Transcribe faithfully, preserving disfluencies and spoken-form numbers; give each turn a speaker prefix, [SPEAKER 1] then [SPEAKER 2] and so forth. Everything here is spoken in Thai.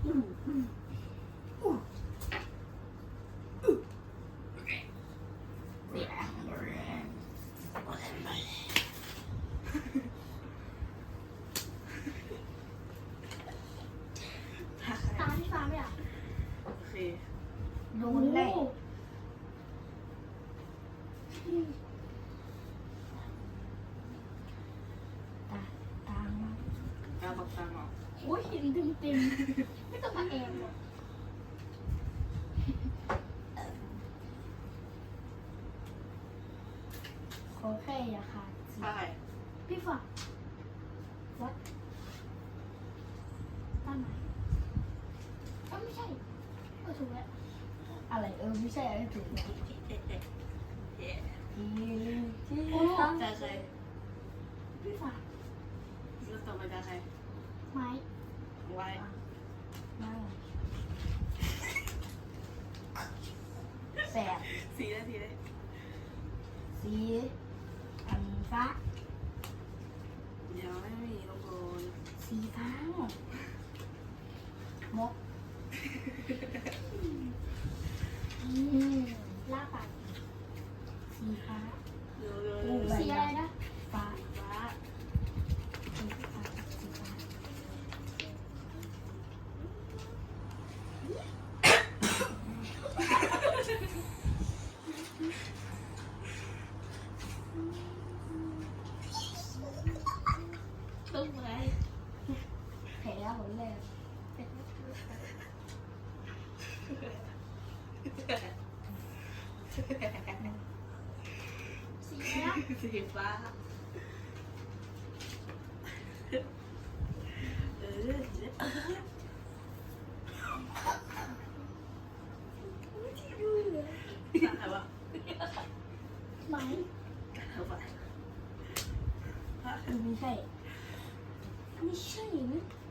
[SPEAKER 1] ตาที่ฟ้าไม่อ่ะ
[SPEAKER 2] โอเค
[SPEAKER 3] โดนแหละตาตามมา
[SPEAKER 2] ตาบอกตาหมอก
[SPEAKER 1] โอ้ยเห็นเต็มเต็มๆไม่ต้องมาแอบหรอก
[SPEAKER 3] ขอแค่อย่าขาดสิ
[SPEAKER 2] ใช่
[SPEAKER 1] พี่ฟ้าวัดตาไหนเอ้าไม่ใช่เออถูกแล้ว
[SPEAKER 3] อะไรเออไม่ใช่อะไรถูกแล้ว
[SPEAKER 2] เอ๊ะเอ๊ะเอ๊ะ
[SPEAKER 3] ที่ที่
[SPEAKER 1] โอ้
[SPEAKER 3] ต้อง
[SPEAKER 2] ตาใคร
[SPEAKER 1] พี่ฟ้า
[SPEAKER 2] แล้วต่อไปตาใคร
[SPEAKER 1] ไม้
[SPEAKER 2] ไว้
[SPEAKER 3] นั่งแสบ
[SPEAKER 2] สีได้สีได้
[SPEAKER 3] สีอันฟ้า
[SPEAKER 2] เดี๋ยวไม่มีลงโกน
[SPEAKER 3] สีฟ้า มก
[SPEAKER 1] อืมล่าปาก
[SPEAKER 3] สีฟ้า
[SPEAKER 2] เร็วเร็วเร็ว
[SPEAKER 1] สีอะไรนะ
[SPEAKER 3] ฟ้า
[SPEAKER 2] ฟ้า
[SPEAKER 3] สีฟ้าสีฟ้า
[SPEAKER 1] ตึ้งเลย
[SPEAKER 3] แผลหมดเลย
[SPEAKER 1] สีอะไรนะ
[SPEAKER 2] สีฟ้าเออเออตาใครวะ
[SPEAKER 1] ไม้
[SPEAKER 2] เอาไป
[SPEAKER 3] ไม่ใช่
[SPEAKER 1] ไม่ใช่นะ